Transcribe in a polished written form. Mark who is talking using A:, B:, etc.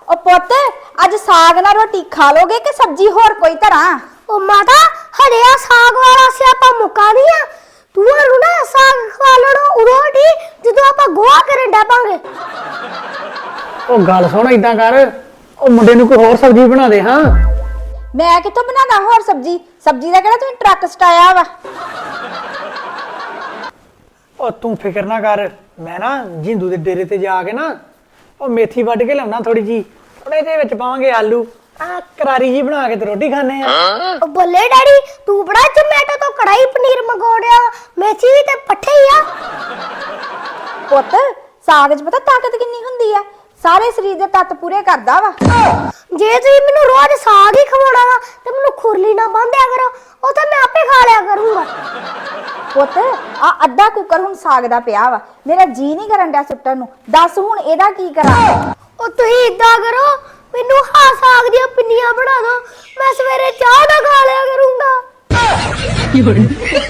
A: ओ पुत अज साग नाल रोटी खा लोगे कि सब्जी होर कोई धरां?
B: ओ माता हरे आ साग वाला सियापा मुका नहीं आ तू ना साग खा लेना उदों दी जदों आपां गोहा करन डै पांगे।
C: ओ गल सुन इदां कर ओ मुंडे नूं कोई होर सब्जी बना दे। हां
A: मैं कित्थों बनादा होर सब्जी दा किहड़ा तूं ट्रक सटाया वा।
C: ओ तू फिक्र ना कर मैं ना जिंदू दे डेरे ते जाके ना ओ मेथी वड्ढ के लाउना थोड़ी जी थोड़े दे विच पावांगे आलू आ करारी जी बना के ते रोटी खाने आ।
B: ओ बोले डैडी तू बड़ा जोमैटो तो कढ़ाई पनीर मंगाउणिया मेथी भी ते पट्ठे ही आ।
A: पुत साग च पता ताकत किन्नी हुंदी आ सारे शरीर दे तत्त पूरे करदा वा।
B: जे तुसीं मैनूं रोज साग ही खवाउणा वा ते मैनूं खुरली ना बंधिया करो ओ तां मैं आपे खा लिया करूंगा।
A: पुत आ अद्धा कुकर हुण साग दा पिया वा मेरा जी नहीं करन डया सुट्टण नूं दस हुण एदा की करा।
B: ओ तुसीं इदां करो मैनूं हां साग दी पिन्नियां बना दो मैं सवेरे चाह ना खा लिया करूंगा।